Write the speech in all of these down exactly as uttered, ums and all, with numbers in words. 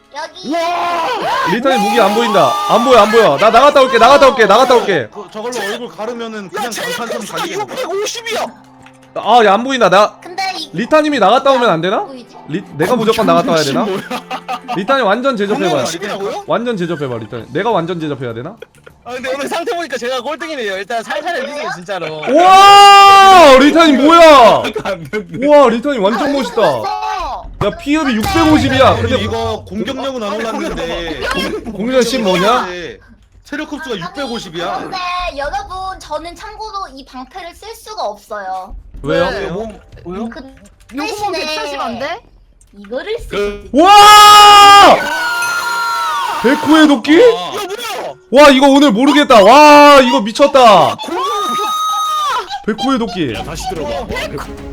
여기. 리타님 무기 안 보인다. 안 보여 안 보여. 나 나갔다 올게 나갔다 올게 나갔다 올게. 그, 저걸로 얼굴 가르면은 그냥 강탄처럼 갈리겠네. 육백오십이야. 아 야 안 보인다. 나 근데 이 리타님이 나갔다 오면 안 되나? 보이지? 리 내가 무조건 나갔다 와야 되나? 리타님 완전 제접해봐. 육백오십이라고요? 완전 제접해봐 리타님. 내가 완전 제접해야 되나? 아 근데 오늘 상태 보니까 제가 꼴등이네요. 일단 살살 해주세요 진짜로. 와 리타님 뭐야? 안 됐네. 와 리타님 완전 멋있다. 야 피읍이 육백오십이야. 근데 근데 이거 공격력은 안 올랐는데 공격 십 뭐냐? 체력 흡수가 육백오십이야. 근데 여러분 저는 참고로 이 방패를 쓸 수가 없어요. 왜요? 네, 뭐, 뭐요? 그 요거만 백사십 안 돼? 이거를 쓰. 그 와! 백호의 도끼? 야 뭐야? 와 이거 오늘 모르겠다. 와 이거 미쳤다. 백호의 도끼. 야 다시 들어봐. 빨리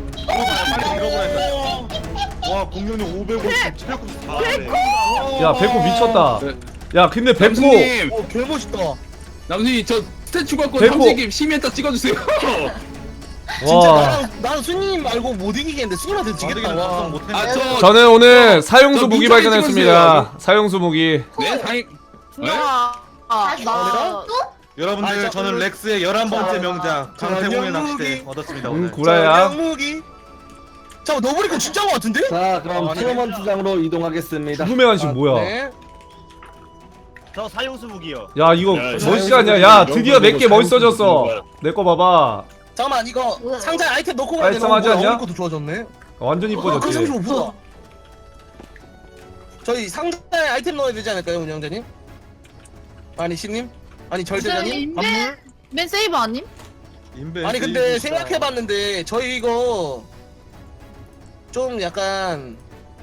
잃어버렸다. 와 공격력 오백오십, 체력 흡수 사백. 야 백호 미쳤다. 야 근데 백호 남순님, 어 개멋있다. 남순이 저 스태츄 갖고 백호. 삼식이 시멘터 찍어주세요. 진짜 와 나는 나는 수님 말고 못 이기겠는데 수님한테 지겠다. 아직은 와. 작성 못했네. 아 저 저는 오늘 사용수 저 무기 민정이 발견했습니다. 사용수 무기. 네 다행. 네? 아, 아, 다시 나 또? 여러분들 아, 저- 저는 렉스의 열한 번째 명작 자, 강태공의 연무기. 낚시대 얻었습니다 음 오늘. 구라야. 무기. 자 너브리코 진짜 것 같은데? 자 그럼 어, 아니네. 토너먼트장으로 이동하겠습니다. 죽음의 관심 뭐야? 네. 저 사용수 무기요. 야 이거 야, 멋있지 않냐? 야 드디어 내게 멋있어졌어. 내 거 봐봐. 잠깐만 이거 뭐야? 상자에 아이템 넣고 가야 되나? 깔끔하지 않냐? 어느 것도 좋아졌네. 완전 그 이뻐졌지. 삼십오 퍼센트. 저희 상자에 아이템 넣어야 되지 않을까요, 운영자님? 아니 신님? 아니 절대자님? 인벤? 맨 세이브 아님? 인베 아니 근데 생각해봤는데 저희 이거 좀 약간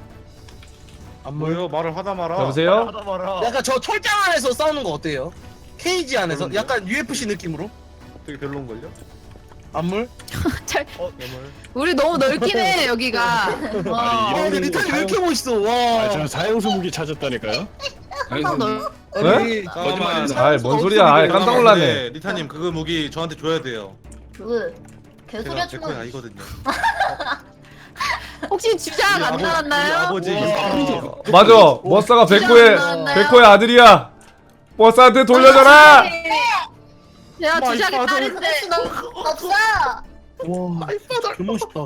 안물 뭐요? 말을 하다 말아. 여보세요? 하다 말아. 약간 저 철장 안에서 싸우는 거 어때요? 케이지 안에서 그런데요? 약간 유에프씨 느낌으로 되게 별론걸요? 안물? 잘, 어, 너무. 우리 너무 넓긴 해 여기가. 아니, 어. 아 이런 근데 리탄이 왜 이렇게 멋있어 와. 아, 저 사형수 무기 찾았다니까요. 항상 넓. 아니 잠깐만. 아이 뭔 소리야? 아이 깜짝 놀랐네. 근데 리타님 그거 무기 저한테 줘야 돼요. 그 개소리 제가 하지 제 거에 마. 아니거든요. 혹시 주작 안 우리 나왔나요? 아버지. 어, 맞아. 머싸가 백호의 나왔나요? 백호의 아들이야. 머싸한테 돌려줘라. 내가 마이 주작의 파더. 딸인데. 없어. 와 개 멋있다.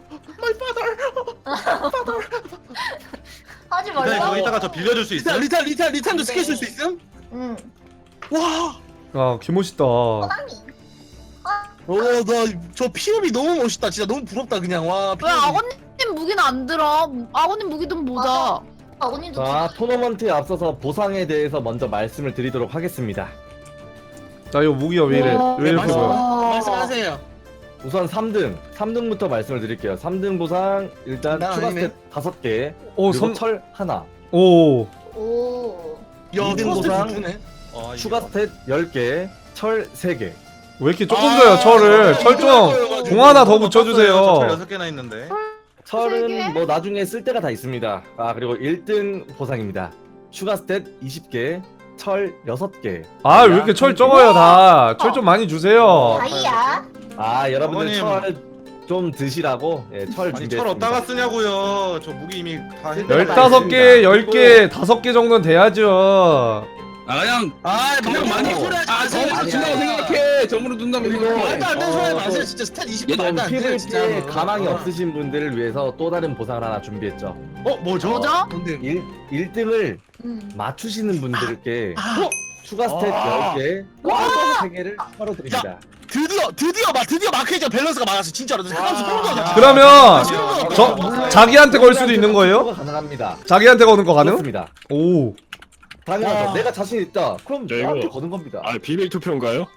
하지 리타님 그거 말라고. 이따가 저 빌려줄 수 리탄 있어요? 리탄 리탄 리탄도 스킬 쓸 수 있음? 응. 와. 아 개멋있다. 호랑이. 어나저 피업이 너무 멋있다. 진짜 너무 부럽다 그냥 와. 왜 피업이. 아버님 무기는 안 들어? 아버님 무기 좀 보자. 아버님도 자 토너먼트에 앞서서 보상에 대해서 먼저 말씀을 드리도록 하겠습니다. 자 이거 무기가 왜 이래? 와, 왜 이렇게 말씀- 보여? 말씀하세요. 우선 삼 등, 삼 등부터 말씀을 드릴게요. 삼 등 보상 일단 나 추가 아니네. 스탯 다섯 개, 오 그리고 선. 철 하나, 오. 오. 야 이등 포스트 보상. 주네. 아, 추가 이거. 스탯 열 개, 철 세 개. 왜 이렇게 조금 줘요 철을? 철 좀. 공 하나 더 붙여주세요. 저철 여섯 개나 있는데. 세 개? 철은 뭐 나중에 쓸 때가 다 있습니다. 아 그리고 일 등 보상입니다. 추가 스탯 이십 개, 철 여섯 개. 아 왜 이렇게 철 적어요 다? 철 좀 많이 주세요. 다이야. 아 여러분들 어머님. 철 좀 드시라고 예, 철 아니 준비했습니다. 철 어디다가 쓰냐고요. 저 무기 이미 다 했. 열다섯 개, 열 개, 다섯 개 정도는 돼야죠. 아 그냥 아 그냥 많이 소리 하지 아 마세요. 점으로 준다고 생각해. 점으로 준다고 생각해. 말도 안 되는 소리 하지 어, 마세요. 또- 진짜 스탯 이십 얘 말도 안 돼요 피부에 진짜. 가망이 없으신 분들을 위해서 또 다른 보상을 하나 준비했죠. 어 뭐죠? 뭐죠? 뭔데? 일, 일 등을 응. 맞추시는 분들께 아, 추가 스탯 아. 열 개, 세 개를 바로 드립니다. 드디어 드디어 막 드디어 마크이자 밸런스가 맞았어 진짜로. 사람 소름 돋아. 그러면 소름 돋아. 저 자기한테 걸 수도 있는 거예요? 투표가 가능합니다. 자기한테 거는 거 가능? 그렇습니다. 오. 당연하죠. 와. 내가 자신 있다. 그럼 야, 이거- 나한테 거는 겁니다. 아 비밀 투표인가요?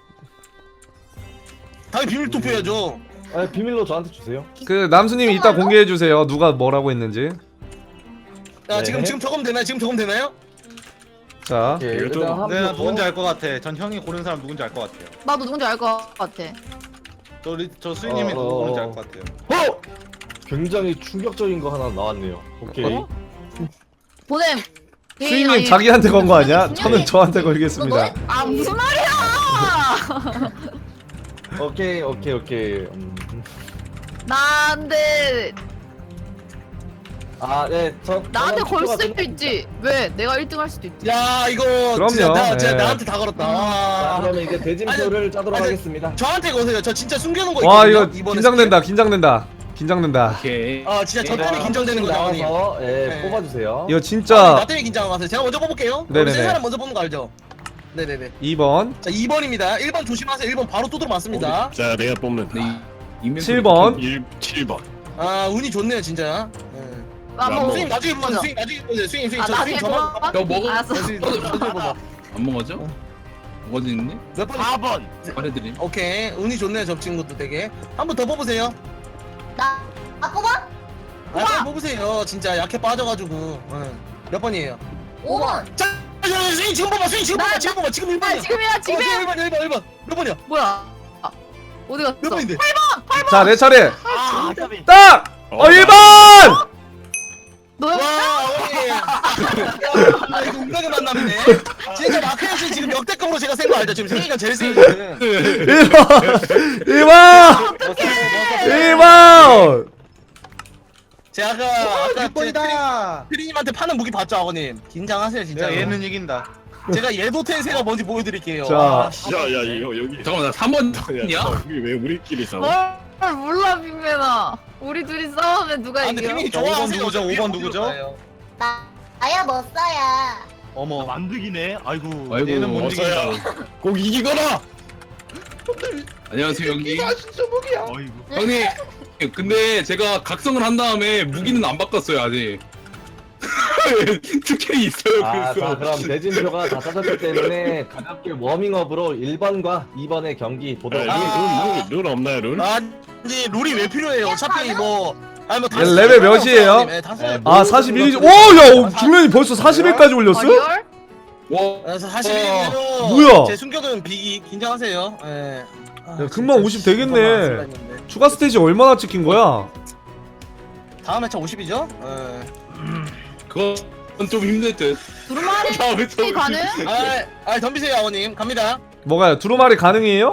당연히 비밀 투표해야죠. 아, 비밀로 저한테 주세요. 그 남수님이 이따 공개해 주세요. 누가 뭐라고 했는지. 야 네. 지금 지금 적으면 되나요? 지금 적으면 되나요? 자. 예, 이거 좀- 일단 한 내가 번 누군지 알 것 같아. 전 형이 고른 사람 누군지 알 것 같아요. 나도 누군지 알 것 같아. 저, 리, 저 수인님이 어, 누구 어, 고른지 어. 알 것 같아요. 어! 굉장히 충격적인 거 하나 나왔네요. 오케이. 어? 보냄. 수인님 아니, 자기한테 건 거 아니야? 수인님. 저는 저한테 너 걸겠습니다. 너의 아 무슨 말이야? 오케이, 오케이, 오케이. 음. 나한테 아, 네, 저 나한테 저는 걸 투표가 수도 끝났습니다. 있지. 왜? 내가 일 등 할 수도 있지. 야 이거 그럼요. 진짜, 나, 진짜 예. 나한테 다 걸었다. 자, 와. 그러면 이제 대진표를 짜도록 아니, 하겠습니다. 저한테 거세요. 저 진짜 숨겨놓은 거 와 있거든요. 이거 이번에 긴장된다 긴장된다 긴장된다. 오케이. 아 진짜 저 때문에 네, 긴장되는 거죠, 아버님. 나와서 예, 네. 뽑아주세요. 이거 아, 나 진짜 때문에 긴장하고 가세요. 제가 먼저 뽑을게요. 네네네. 우리 세 사람 먼저 뽑는 거 알죠? 네네네. 이 번 자 이 번입니다. 일 번 조심하세요. 일 번 바로 뚜드러 맞습니다. 자, 내가 뽑는 네, 칠 번. 칠 번. 아 운이 좋네요 진짜. 네. 아, 안 뭐, 먹어. 스윙 나중에 보세요. 먼저. 스윙 나중에 보세요. 스윙 스윙 아, 저 나중에 스윙 저만 봐. 너 먹어? 알았어. 스윙 나중에 봐봐. 안 먹어져? 먹어져 있네? 몇 번? 사 번. 말해드림. 오케이 운이 좋네요 저 친구도 되게. 한 번 더 뽑으세요. 나, 아, 뽑아? 아 빨리 뽑으세요. 진짜 약해 빠져가지고. 네. 몇 번이에요? 오 번. 자, 자, 자, 스윙 지금 뽑아 스윙 지금 나- 뽑아 지금 뽑아 지금 일 나 번이야. 지금이야, 지금. 일 번 일 번 일 번 몇 번이야? 뭐야? 아, 어디 갔어? 몇 번인데? 자 내 차례 아, 까비. 딱! 어 일 번! 너야? 와 어머니. 아 이거 운명의 만남이네. 진짜 마크현 씨 지금 역대급으로 제가 센 거 알죠? 지금 세기가 제일 세게 지금. 일 번! 일 번! 일 번! 제가 아까 아까 육 번이다. 피디님한테 파는 무기 봤죠 아버님? 긴장하세요 진짜. 내가 얘는 이긴다. 제가 예도 텐세가 뭔지 보여드릴게요. 자. 와, 씨. 야, 야, 이거 여기. 잠깐만, 나 삼 번이야? 여기 왜 우리끼리 싸워? 뭘 몰라, 빅맨아. 우리 둘이 싸우면 누가 아 근데 이겨? 피디님 자, 오 번 좋아하세요. 누구죠? 오 번 누구죠? 거예요. 나, 나야 못 써야. 어머. 만득이네. 아이고. 아이고, 얘는 못 어서야. 이긴다. 꼭 이기거라! 안녕하세요, 형님. 어이구. 형님, 근데 제가 각성을 한 다음에 무기는 안 바꿨어요, 아직. 특혜 있어요, 아, 그래서. 자, 그럼 대진표가 다 짜졌기 때문에 가볍게 워밍업으로 일 번과 이 번의 경기 보도록 아, 하겠습니다. 룰, 룰, 룰 없나요, 룰? 아 근데 룰이 왜 필요해요? 어차피 뭐 아니 뭐 얘 레벨 몇이에요? 네, 아 사십일이지 오야 김현이 벌써 사십일까지 올렸어? 아, 리얼? 와, 그래서 사실은 뭐야? 제 숨겨둔 비기 긴장하세요. 예. 아, 야, 금방 진짜 오십 되겠네. 금방 왔을 했는데. 추가 스테이지 얼마나 찍힌 거야? 다음 회차 오십이죠? 예. 그건 좀 힘들 듯. 두루마리 다음에 좀 가능? 아, 아 덤비세요 아버님 갑니다. 뭐가요? 두루마리 가능해요?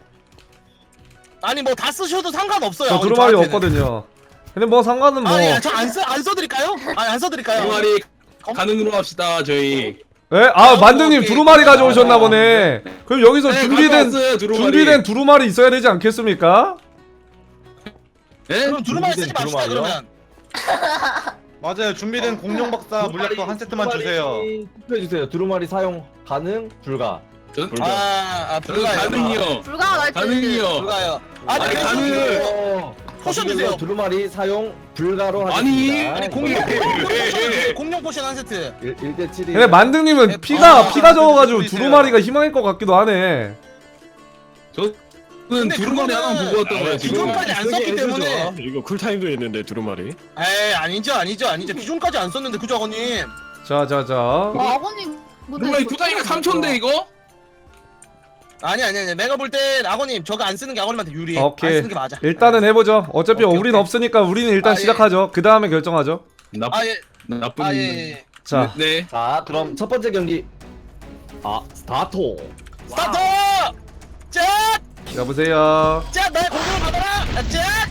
아니 뭐 다 쓰셔도 상관없어요. 저 아버님, 두루마리 저한테는. 없거든요. 근데 뭐 상관은 뭐 아니 저안 써 안 써드릴까요? 아니 안 써드릴까요? 두루마리 가능으로 합시다, 저희. 예? 아 만등님 오케이. 두루마리 가져오셨나 보네. 그럼 여기서 네, 준비된 가져왔어요, 두루마리. 준비된 두루마리 있어야 되지 않겠습니까? 예? 그럼 두루마리 쓰지 준비된 맙시다 두루마리요? 그러면. 맞아요. 준비된 공룡 박사 물약도 한 세트만 주세요. 투표해 주세요. 두루마리 사용 가능 불가. 전, 아, 아 저는 불가요. 가능이요. 불가 날 가능이요. 불가요. 아니 아니, 그래서 가능. 그- 포션 주세요. 두루마리 사용 불가로 아니, 하겠습니다. 아니 공룡 공룡 포션 주세요. 공룡 포션 한 세트. 일 대 칠이. 근데 만등님은 아, 피가 피가 적어가지고 보이세요. 두루마리가 희망일 것 같기도 하네. 저는 근데 두루마리 그거는 하나 보고 왔던 거야, 지금. 기존까지 안 썼기 때문에. 이거 쿨타임도 있는데, 두루마리. 에이 아니죠 아니죠 아니죠 기존까지 안 썼는데 그죠 아버님. 자자자. 아, 아버님. 두루마리 쿨타임이 삼 초인데, 이거? 아니 아니 아니 내가 볼 땐 아버님 저거 안 쓰는 게 아버님한테 유리해. 오케이. 안 쓰는 게 맞아. 일단은 해보죠. 어차피 오케이, 우린 오케이. 없으니까 우리는 일단 아, 예. 시작하죠. 그 다음에 결정하죠. 나, 아예 나쁜. 아예 예. 자, 네. 자, 그럼 첫 번째 경기. 아, 스타트. 스타트. 짠! 여보세요. 짠! 나의 공격을 받아라. 아, 짠!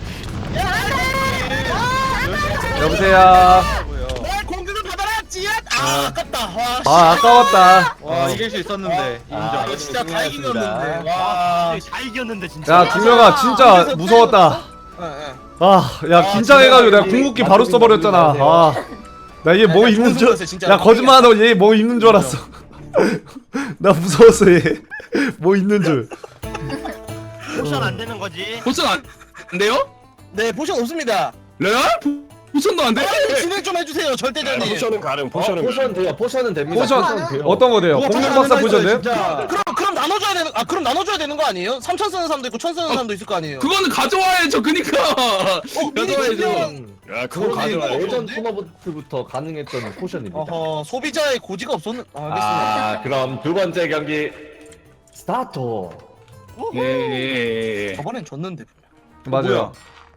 여보세요. 나의 공격을 받아라. 짠! 아 아깝다. 와. 아 아까웠다. 와 이길 수 있었는데 아, 이거 진짜 다 승리하였습니다. 이겼는데. 와. 다 이겼는데 진짜. 야 김명아 진짜 무서웠다. 예, 예. 아 야 아, 긴장해가지고 진짜 내가 궁극기 바로 써버렸잖아. 아. 나 얘 뭐 야, 입는 좋은 줄, 소리였어요, 진짜. 야 거짓말하고 얘 뭐 입는 줄 알았어. 나 무서웠어 얘. 뭐 입는 줄. 포션 안 되는 거지. 포션 안, 안 돼요? 네 포션 없습니다. 레알? 포션도 안 돼? 아니, 진행 좀 해주세요 아, 절대자님. 포션은 가능, 어, 포션은 포션 가능. 돼요. 포션은 됩니다. 포션 돼요. 어떤 거 돼요? 우와, 공룡 포션 박사 안 포션 돼요? 진짜. 그럼 그럼 나눠줘야 되는 아 그럼 나눠줘야 되는 거 아니에요? 삼천 쓰는 사람도 있고 천 쓰는 사람도 있을 거 아니에요? 그거는 가져와야죠, 그니까. 어, 미리 가져와야죠. 준비한- 야, 그거 그건 가져와. 가져와요. 예전 토너부터 가능했던 포션입니다. 어허 소비자의 고지가 없었는. 아, 알겠습니다. 아, 그럼 두 번째 경기 스타트. 예, 예, 예. 저번엔 졌는데. 맞아요.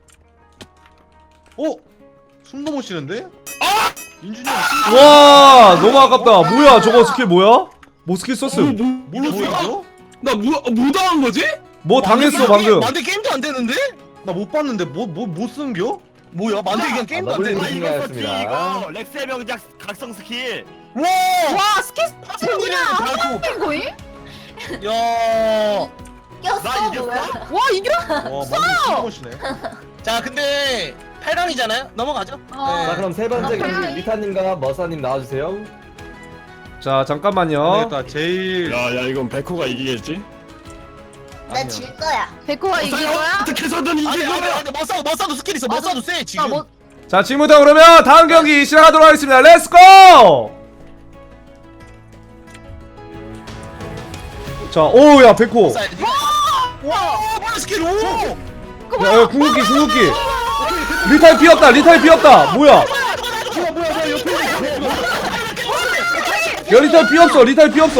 오! 숨도 못 쉬는데? 아! 인준이 형 숨. 와 너무 아깝다. 뭐야 저거 스킬 뭐야? 뭐 스킬 썼어? 뭐, 뭐, 뭘로 뭐야? 쓰였어? 나 뭐, 뭐 당한 거지? 뭐 당했어 방금. 만데 게임도 안 되는데? 나 못 봤는데 뭐 뭐 못 쓴겨? 뭐야 만들기 그냥 게임도 안 아, 돼. 아 너블리 이거 썼지 승리하였습니다. 이거 렉스의 명작 각성 스킬. 와. 와 스킬 생일을 달고. 거의? 야. 꼈어 나 이겼어? 뭐야? 와 이겨? 와 많이 멋이네. 자 근데 팔 강이잖아요. 넘어가죠. 어. 자 네. 그럼 세 번째 아, 경기 빨리. 리타님과 머사님 나와주세요. 자 잠깐만요. 그러니까 제일 야, 야, 이건 백호가 이기겠지? 나 질 거야. 백호가 이긴 거야? 어떻게 해서든 아니 이길 아니 거야! 아니 머싸도 머싸도 스킬 있어. 머싸도 세 지금. 아, 뭐, 자 지금부터 그러면 다음 경기 시작하도록 하겠습니다. 렛츠고! 자 오야 백호. 머싸야 돼. 와 뭐야 스킬 오. 야, 야 궁극기 궁극기. 리타임 피었다 리타임 피었다. 뭐야? 야 리타임 피었어 리타임 피었어.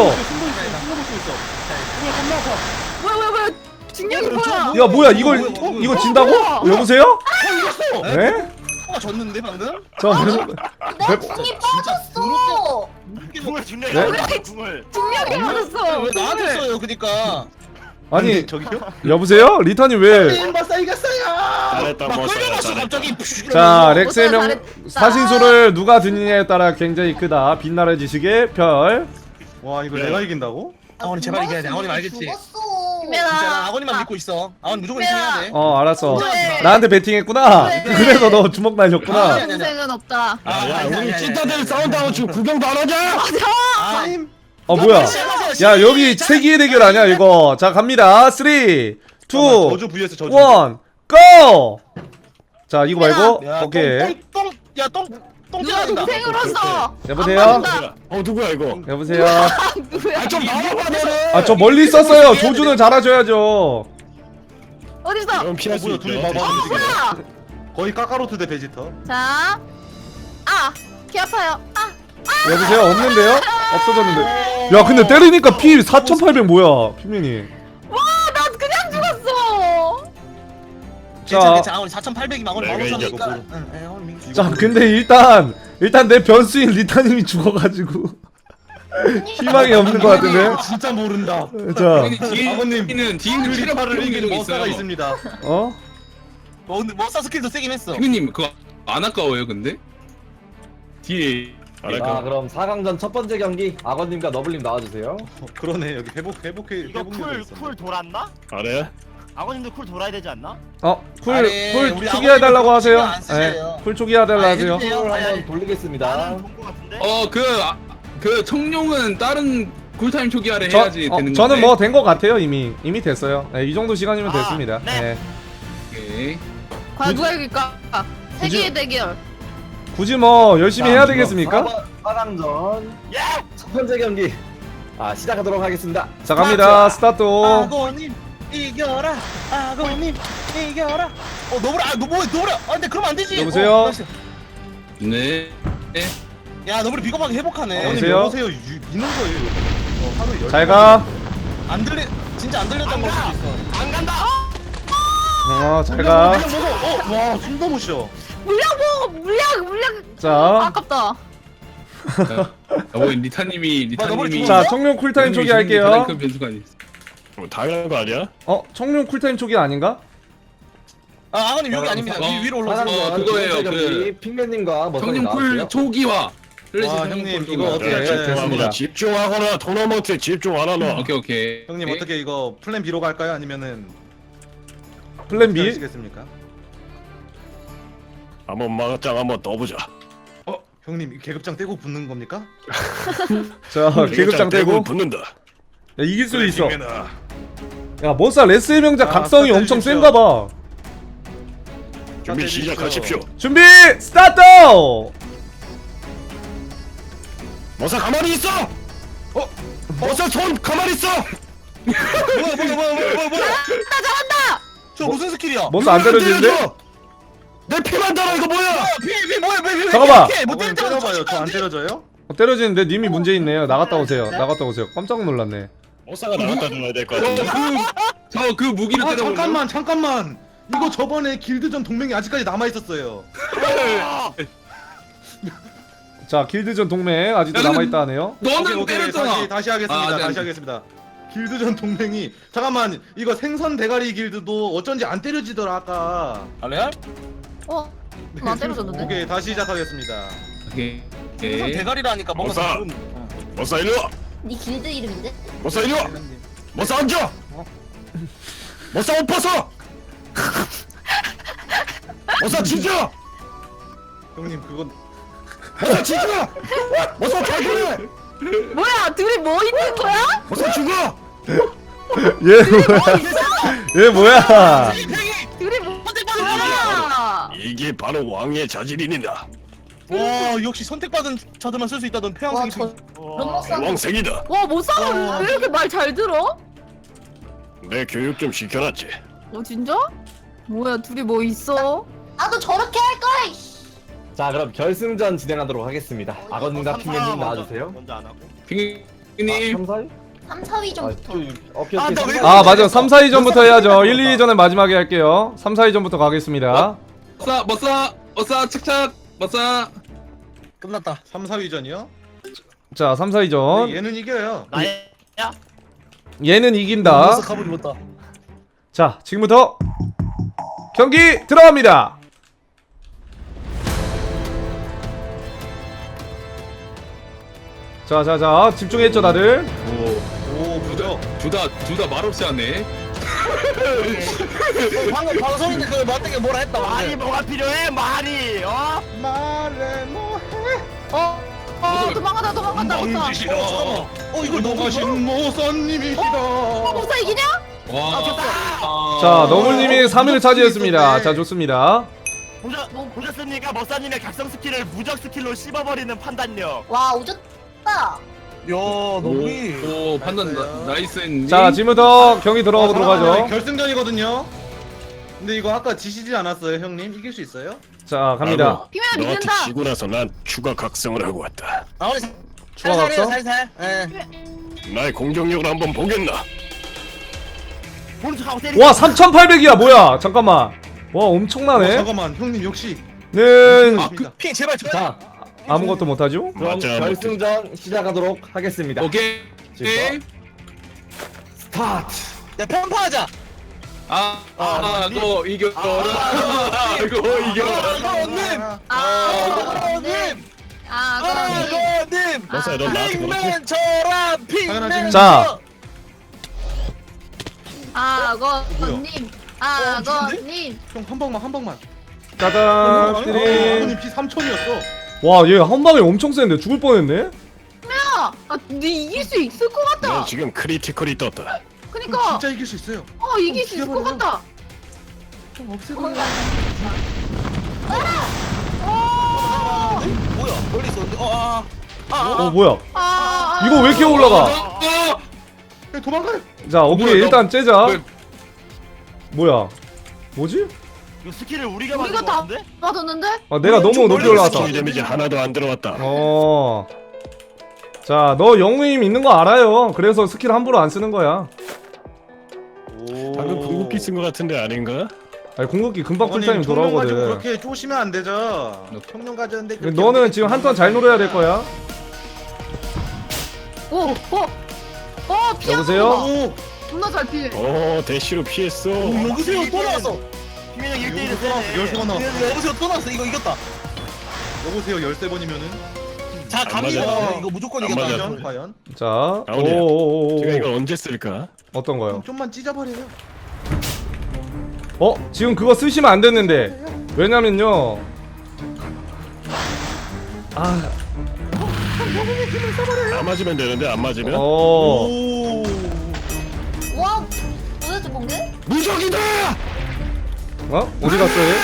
뭐야 뭐야 뭐야 중력이 뭐야? 야 뭐야 이걸 이거 진다고? 여보세요? 에? 가 졌는데 방금? 저 무슨 내 궁이 빠졌어. 궁을 중력이 네? 아니야, 궁을. 중력이 맞았어. 왜 나한테 써요 그니까. 아니 저기요? 여보세요? 리타님 왜? 머싸 이겼어요. 잘했다, 막 뭐, 끌려갔어 잘했다. 갑자기. 자 렉스의 명 잘했다. 사신소를 누가 듣느냐에 따라 굉장히 크다. 빛나는 지식의 별. 와 이거 네. 내가 이긴다고? 아원이 제발 이겨야 돼. 아원이 알겠지? 죽었어. 김연아. 진짜 나 아원이만 믿고 있어. 아원 무조건 이겨야 돼. 어 알았어. 네. 나한테 베팅했구나. 네. 그래서 너 주먹 날렸구나. 아니, 아니, 아니. 동생은 없다. 야, 야, 아니, 아니, 우리 아니, 찐따들 아니. 싸운다고 지금 구경도 안 하자! 아, 어 뭐야? 야 여기 세기의 대결 아니야 이거. 자 갑니다. 삼, 이, 잠깐만, 저주 vs 저주. 일, 고! 자 이거 말고 야, 오케이. 똥, 똥, 똥, 야, 똥, 똥 누가 찌른다. 동생으로서 여보세요? 안 받는다. 어, 누구야, 이거? 여보세요? 누구야? 아, 좀 나와봐, 너는! 아 저 멀리 있었어요. 조준을 잘하셔야죠. 어디서? 그럼 피할 수 뭐야, 있죠. 둘이 봐봐. 어 뭐야? 거의 까까로트 대 베지터. 자, 아, 귀 아파요. 아, 여보세요? 없는데요? 없어졌는데. 야 근데 때리니까 피 사천팔백 뭐야 피민이. 와, 나 그냥 죽었어. 괜찮아, 자. 괜찮아. 아원 사천팔백이면 아원 내가 만오천이니까. 이겼고. 응, 응, 아원 민기. 자 근데 일단 일단 내 변수인 리타님이 죽어가지고 희망이 없는 것 같은데. 진짜 모른다. 자 뒤에 아버님, 뒤는 뒤는 그 체력 리파를 부족이 이기는 좀 머싸가 있어요. 있습니다. 어? 뭐, 근데 머싸 스킬도 세긴 했어. 피그님 그거 안 아까워요 근데? 뒤에 자 잘할까? 그럼 사 강전 첫 번째 경기 아건님과 너블님 나와주세요. 어, 그러네 여기 회복 회복해 이거 회복력이 쿨, 있어. 쿨 돌았나? 잘해? 아버님도 쿨 돌아야 되지 않나? 어? 쿨, 아니, 쿨 우리 초기화해달라고 아버님은 하세요. 신경 안 쓰세요. 네, 쿨 초기화해달라고 아, 하세요. 해주세요. 콜 아니, 아니. 한번 돌리겠습니다. 나는 본거 같은데? 어그 아, 그 청룡은 다른 쿨타임 초기화를 저, 해야지 어, 되는 건데. 저는 뭐 된 것 같아요 이미 이미 됐어요. 네, 이 정도 시간이면 아, 됐습니다. 네. 네. 오케이. 과연 누가 이길까? 세계의 대결. 굳이 뭐 열심히 해야 되겠습니까? 사 강전 예! 첫 번째 경기 아 시작하도록 하겠습니다. 자 갑니다. 스타트. 아고님 이겨라. 아고님 이겨라. 어 너브라. 아 너뭐 너브라. 아 근데 그러면 안 되지. 여보세요? 어, 나이스. 네. 네. 야 너브라 비겁하게 회복하네. 어, 아버님 여보세요? 여보세요 유, 미는 거예요. 이거. 어, 하루 열. 잘 가. 안 들리 진짜 안 들렸던 걸 수도 있어. 안 간다! 어, 잘 가. 어, 와 숨도 못 쉬어. 물량 먹어, 물량, 물량. 자, 아깝다. 어, 리타님이 리타님이 자 청룡 쿨타임 초기 할게요. 가장 큰 변수가 아니. 뭐 당연한 거 아니야? 어, 청룡 쿨타임 초기 아닌가? 아 아버님 여기 아닙니다. 어, 위, 위로 사 올라서. 강전 어, 두 그거예요, 번째 경기 그- 핑맨님과 머사님 청룡 쿨 나와주세요. 초기화. 와, 형님, 이거 어떻게 네, 할지 됐습니다. 집중하거나 집중하거나 토너먼트에 집중하라 너. 오케이 오케이. 형님 오케이. 어떻게 이거 플랜 B로 갈까요? 아니면은 플랜 어떻게 B? 하시겠습니까? 한번 막장 한번 떠보자. 어, 형님 이 계급장 떼고 붙는 겁니까? 자, 계급장 떼고. 붙는다. 야, 이길 수도 있어. 핑맨아. 야, 머싸 레스의 명작 아, 각성이 스타트 엄청 해주십시오. 센가 봐. 준비 스타트 시작하십시오. 준비 스타트! 머사 가만히 있어. 어? 머사 손 가만히 있어. 뭐야 뭐야 뭐야 뭐야 뭐야. 나 잘한다. 저 무슨 스킬이야? 머싸 안 때려지는데? 내 피만 달아 이거 뭐야? 피피 뭐야 왜 왜? 잠깐만. 못 어머님 때리잖아. 때려봐요. 저 안 때려져요? 어, 때려지는데 님이 문제 있네요. 나갔다 오세요. 나갔다 오세요. 깜짝 놀랐네. 머사가 나갔다 줘야 될 것 같은데. 저 그 무기를 아 때려보면 잠깐만 잠깐만. 이거 저번에 길드전 동맹이 아직까지 남아 있었어요. 자, 길드전 동맹 아직도 야, 근데- 남아있다 하네요. 너는 오케이, 때렸잖아. 다시 다시 하겠습니다. 아, 네, 다시 네. 하겠습니다. 길드전 동맹이 잠깐만 이거 생선 대가리 길드도 어쩐지 안 때려지더라 아까. 아 레알? 어, 나 때려줬는데. 오케이 다시 시작하겠습니다. 오케이. 무슨 오케이. 대가리라니까 뭔가 어서. 좀- 머싸 일로 와. 네 길드 이름인데? 머싸 일로 와. 머싸 앉아. 머싸 옷 벗어. 머싸 진짜. 형님 그건 머싸 진짜. 머싸 자기네. 뭐야 둘이 뭐 있는 거야? 머싸 죽어. 얘 뭐야? 얘 뭐야? 둘이 뭐 있는 거야? 이게 바로 왕의 자질이니다. 와 역시 선택받은 자들만 쓸 수 있다던 와, 폐왕생이 저 그런 목사. 왕생이다. 와 못 살아. 왜 이렇게 말 잘 들어? 내 교육 좀 시켜놨지. 어 진짜? 뭐야 둘이 뭐 있어? 나도 저렇게 할 거야. 이씨. 자 그럼 결승전 진행하도록 하겠습니다. 아버님과 핑맨님 나와주세요. 먼저 안 하고. 핑님. 삼, 사 위? 삼, 사 위전부터. 아, 나 왜- 아 맞아 삼, 사 위전부터 해야죠. 일, 이 위전은 마지막에 할게요. 삼, 사 위전부터 가겠습니다. 머싸 머싸 머싸 착착 머싸. 끝났다. 삼, 사 위전이요? 자 삼, 사 위전 얘는 이겨요. 나야. 얘는 이긴다. 벌써 가보지 못다. 자 지금부터 경기 들어갑니다. 자자자 집중했죠 다들. 오 무적. 둘다둘다 말없이 하네. 방금 방송인데 그 맞대게 뭐라 했다. 말이 뭐가 필요해? 말이. 어? 말해 뭐해? 어? 어 도망가다 도망간다 못사. 멍지시다. 어 이걸 너무 넘어가신 모선님이시다. 못사 이기냐? 와. 아, 자 너물님이 삼 위를 차지했습니다. 자 좋습니다. 보셨, 보셨습니까? 머싸님의 각성 스킬을 무적 스킬로 씹어버리는 판단력. 와 오졌다. 야 너무 오 판단 나, 나이스 했니? 자 지금부터 경기 들어가보도록 아, 하죠. 결승전이거든요. 근데 이거 아까 지시지 않았어요, 형님? 이길 수 있어요? 자 갑니다. 피면 너한테 믿는다. 지고 나서 난 추가 각성을 하고 왔다. 아 우리 추가 살살해요 각성? 살살. 예. 나의 공격력을 한번 보겠나? 보는 척하고 때리고. 와 삼천팔백이야 뭐야? 잠깐만. 와 어, 엄청나네. 잠깐만, 형님 역시. 는 아, 그, 핑 제발 저. 자 아무것도 못하죠? 그럼 맞아, 결승전 시작하도록 하겠습니다. 오케이. 오케이. 스타트. 야 편파하자. 아, 아, 너 이겨라. 이거 이겨라. 아버님. 아버님. 아버님. 아버님. 머싸야 너 나한테 그렇지? 핑맨처럼 핑맨. 자. 아거님. 아거님. 형 한 방만, 한 방만. 짜잔. 아버님 띠링. 피 삼천이었어. 와 얘 한 방에 엄청 센데 죽을 뻔했네. 야, 아, 네 이길 수 있을 것 넌 같다. 지금 크리티컬이 떴다. 그니까, 진짜 이길 수 있어요. 어 이길 수 있을 것 죽여버려. 같다. 형 없애고. 뭐야 멀리 있었는데. 어 아. 아. 어 뭐야? 아, 이거 왜 이렇게 올라가? 아, 형 도망가요. 자 오케이 뭐야, 일단 째자. 왜- 뭐야? 뭐지? 이거 스킬을 우리가 우리가 만든 거 다 같은데? 받았는데? 아 내가 너무 높이 올라갔다. 스킬 데미지 하나도 안 들어왔다. 어. 자, 너 영웅임 있는 거 알아요. 그래서 스킬 함부로 안 쓰는 거야. 방금 궁극기 쓴 거 같은데 아닌가? 아니 공격기 금방 아버님, 풀타임 평균 가지고 돌아오거든. 그렇게 쪼시면 안 되죠. 평균 가졌는데. 그렇게 너는 어떻게 지금 한 턴 잘 노려야 될 거야. 오, 오, 어 피하는 여보세요? 거 봐. 오, 존나 잘 피해. 오 대시로 피했어. 오, 여기서요 또 나왔어. 피면형 일 대 일을 여기서 나왔어, 열세 번 나왔어. 여- 여기서 또 나왔어. 이거 이겼다. 여보세요, 열세 번이면은. 자 안 갑니다. 맞아. 이거 무조건 안 이겼다. 맞아. 과연, 과연. 자, 아우리야. 오오오오. 제가 이걸 언제 쓸까? 어떤 거요? 형 좀만 찢어버려요. 어? 지금 그거 쓰시면 안 됐는데. 왜냐면요. 아, 안 맞으면 되는데 안 맞으면? 어. 오. 와 도대체 뭔데? 무적이다! 어? 어디 갔어 얘?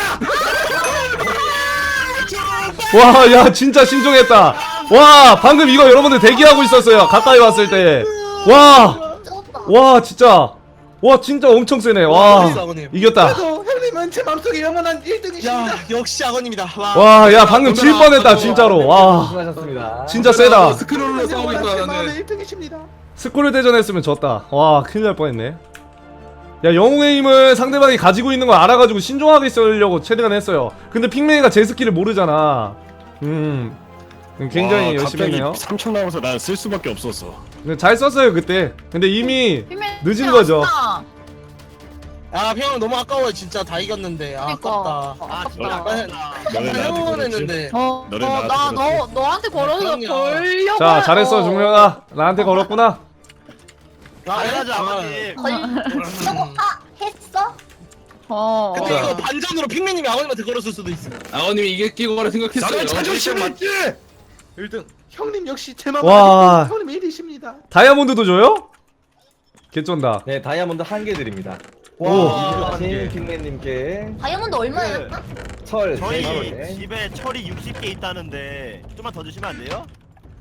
와, 야, 진짜 신중했다. 와, 방금 이거 여러분들 대기하고 있었어요. 가까이 왔을 때. 와, 쩔었다. 와, 진짜. 와, 진짜 엄청 세네. 와, 멋있어, 아버님. 이겼다. 그래도 형님은 제 마음속에 영원한 일 등이십니다. 야 역시 아버님이다. 와. 와, 야, 방금 질 뻔했다, 진짜로. 와, 수고하셨습니다. 진짜 세다. 스크롤로 싸우고 있다 제 마음의 나는. 일 등이십니다. 스콜을 대전했으면 졌다. 와, 큰일 날 뻔했네. 야, 영웅의 힘을 상대방이 가지고 있는 걸 알아가지고 신중하게 쓰려고 최대한 했어요. 근데 핑맨이가 제 스킬을 모르잖아. 음, 굉장히 와, 열심히 했네요. 갑자기 삼천 나와서 난 쓸 수밖에 없었어. 근데 잘 썼어요 그때. 근데 이미 피면 늦은 피면 거죠. 아쉽다. 아 형 너무 아까워요 진짜 다 이겼는데 아 그러니까. 아깝다. 아 진짜 아, 아깝다. 너네 나한테 형은 걸었지? 했는데 어, 너네 어, 나한테 나 걸었지? 너 너한테 걸어서 그럼요. 걸려고. 자 잘했어 종료가 나한테 걸었구나. 당연하죠 아버님. 걸려고 아 했어? 어. 근데 자. 이거 반전으로 핑맨님이 아버님한테 걸었을 수도 있어. 아버님이 이길 거라 생각했어요. 나는 자존심이 있지. 일 등 형님 역시 제만 와. 형님 일 위십니다. 다이아몬드도 줘요? 개쩐다. 네 다이아몬드 한 개 드립니다. 오. 이주하신 핑맨님께 다이아몬드 얼마야? 철 저희 세 개. 집에 철이 육십 개 있다는데 좀만 더 주시면 안 돼요?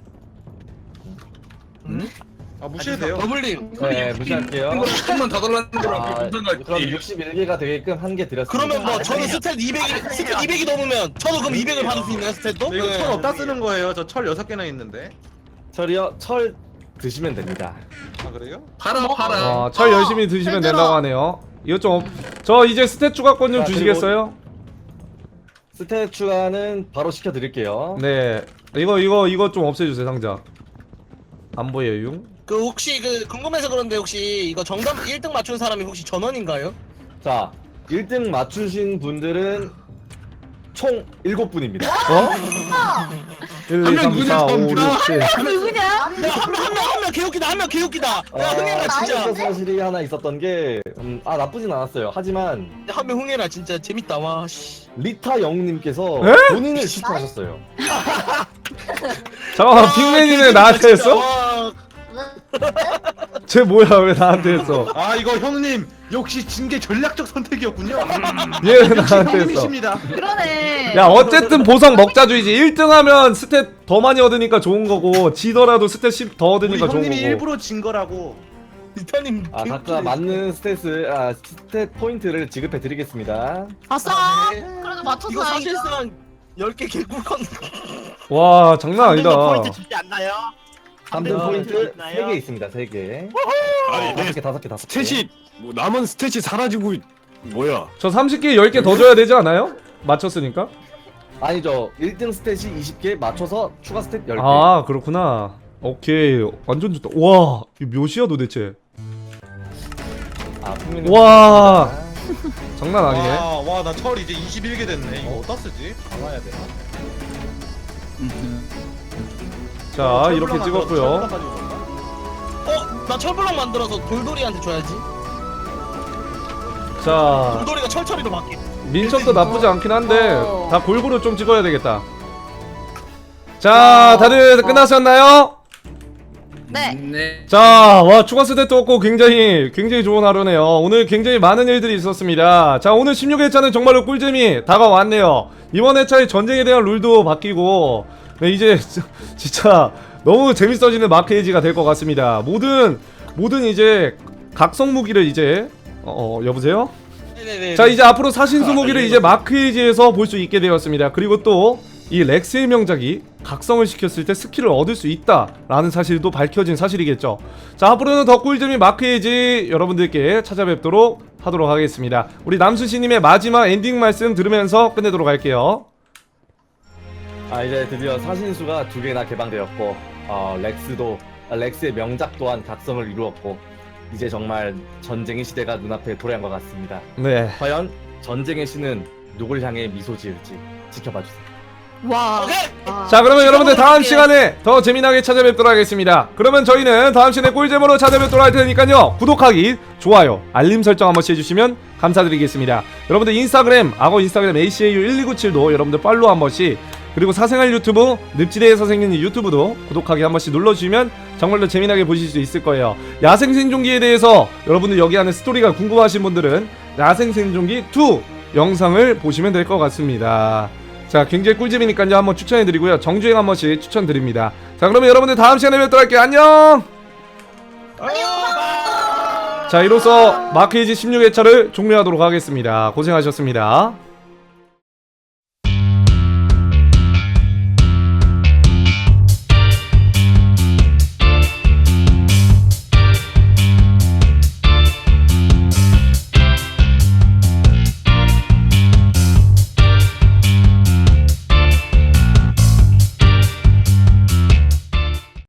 아 무시해도 돼요. 더블님 네 무시할게요. 조금만 더 달라는 거랑 아, 무슨 그럼 상관이지? 육십일 개가 되게끔 한 개 드렸습니다. 그러면 뭐 저는 아니에요. 스탯 이백이 스탯 이백이 넘으면 저도 그럼 이백을 받을 수 있나요 스탯도? 네, 이거 철 없다 쓰는 거예요. 저 철 여섯 개나 있는데. 철이요 철 드시면 됩니다. 아 그래요? 팔아 팔아. 어, 철 열심히 드시면 힘들어. 된다고 하네요. 이거 좀, 없- 저 이제 스탯 추가권 좀 자, 주시겠어요? 스탯 추가는 바로 시켜드릴게요. 네. 이거, 이거, 이거 좀 없애주세요, 상자. 안 보여요? 그 혹시 그 궁금해서 그런데 혹시 이거 정답 일 등 맞춘 사람이 혹시 전원인가요? 자 일 등 맞추신 분들은 총 일곱 분입니다. 어? 일, 이, 삼, 사, 오, 육, 칠. 누구냐? 한명한명한명 개웃기다 한 명 개웃기다. 야 흥해라 진짜. 진짜 사실이 하나 있었던 게, 음, 아 나쁘진 않았어요. 하지만 한 명 흥해라 진짜 재밌다 와. 씨. 리타 영웅님께서 에? 본인을 시타하셨어요. 잠깐만, 와, 핑맨이는 개웃기다, 나한테 진짜. 했어? 와. 쟤 뭐야, 왜 나한테 했어? 아 이거 형님 역시 징계 전략적 선택이었군요. 얘는 역시 나한테 했어. 형님이십니다. 그러네. 야, 어쨌든 보상 먹자주의지. 일 등 하면 스탯 더 많이 얻으니까 좋은 거고, 지더라도 스탯 십 더 우리 얻으니까 좋은 형님이 거고. 일부러 진 거라고. 리타님 아 각자 맞는 스탯을 아 스탯 포인트를 지급해 드리겠습니다. 아싸. 네. 그래도 맞췄어. 이거 사실상 열 개 개꿀컨. 와, 장난 아니다. 포인트 주지 않나요? 삼 등 네, 포인트 있나요? 세 개 있습니다. 세 개. 아니 내 다섯 개 다섯 개 다섯 개. 스탯이 뭐 남은 스탯이 사라지고 뭐야? 저 삼십 개, 열 개 더 줘야 되지 않아요? 맞췄으니까? 아니죠. 일 등 스탯이 이십 개 맞춰서 추가 스탯 열 개. 아, 그렇구나. 오케이. 완전 좋다. 와, 이거 몇이야 도대체? 아, 핑맨님 와. 장난 아니네. 와나 철 이제 이십일 개 됐네. 이거 어디다 쓰지? 가봐야 돼. 자, 이렇게 찍었고요. 어? 나 철블럭 만들어서 돌돌이한테 줘야지. 자, 돌돌이가 철철이로 바뀌. 민첩도 나쁘지 않긴 한데 어. 다 골고루 좀 찍어야 되겠다. 자, 다들 끝나셨나요? 네. 네. 자, 와, 추가 스탯도 없고 굉장히 굉장히 좋은 하루네요. 오늘 굉장히 많은 일들이 있었습니다. 자, 오늘 십육 회차는 정말로 꿀잼이 다가왔네요. 이번 회차의 전쟁에 대한 룰도 바뀌고, 네, 이제 진짜 너무 재밌어지는 마크에이지가 될 것 같습니다. 모든 모든 이제 각성 무기를 이제 어, 어 여보세요? 네네네. 자, 이제 앞으로 사신수 무기를 이제 마크에이지에서 볼 수 있게 되었습니다. 그리고 또 이 렉스의 명작이 각성을 시켰을 때 스킬을 얻을 수 있다라는 사실도 밝혀진 사실이겠죠. 자, 앞으로는 더 꿀잼이 마크에이지 여러분들께 찾아뵙도록 하도록 하겠습니다. 우리 남수씨님의 마지막 엔딩 말씀 들으면서 끝내도록 할게요. 아 이제 드디어 사신수가 두 개나 개방되었고, 어 렉스도 아, 렉스의 명작 또한 각성을 이루었고, 이제 정말 전쟁의 시대가 눈앞에 도래한 것 같습니다. 네. 과연 전쟁의 신은 누굴 향해 미소 지을지 지켜봐 주세요. 와. 오케이. 아. 자, 그러면 여러분들 다음 할게요. 시간에 더 재미나게 찾아뵙도록 하겠습니다. 그러면 저희는 다음 시간에 꿀잼으로 찾아뵙도록 할 테니까요. 구독하기, 좋아요, 알림 설정 한 번씩 해주시면 감사드리겠습니다. 여러분들 인스타그램, 악어 인스타그램 에이씨에이유 일이구칠도 여러분들 팔로우 한 번씩, 그리고 사생활 유튜브 늪지대에서 생긴 유튜브도 구독하기 한 번씩 눌러주시면 정말로 재미나게 보실 수 있을 거예요. 야생 생존기에 대해서 여러분들 여기 안에 스토리가 궁금하신 분들은 야생 생존기 투 영상을 보시면 될 것 같습니다. 자, 굉장히 꿀잼이니까요. 한번 추천해드리고요. 정주행 한 번씩 추천드립니다. 자, 그러면 여러분들 다음 시간에 뵙도록 할게요. 안녕! 자, 이로써 마크에이지 십육 회차를 종료하도록 하겠습니다. 고생하셨습니다.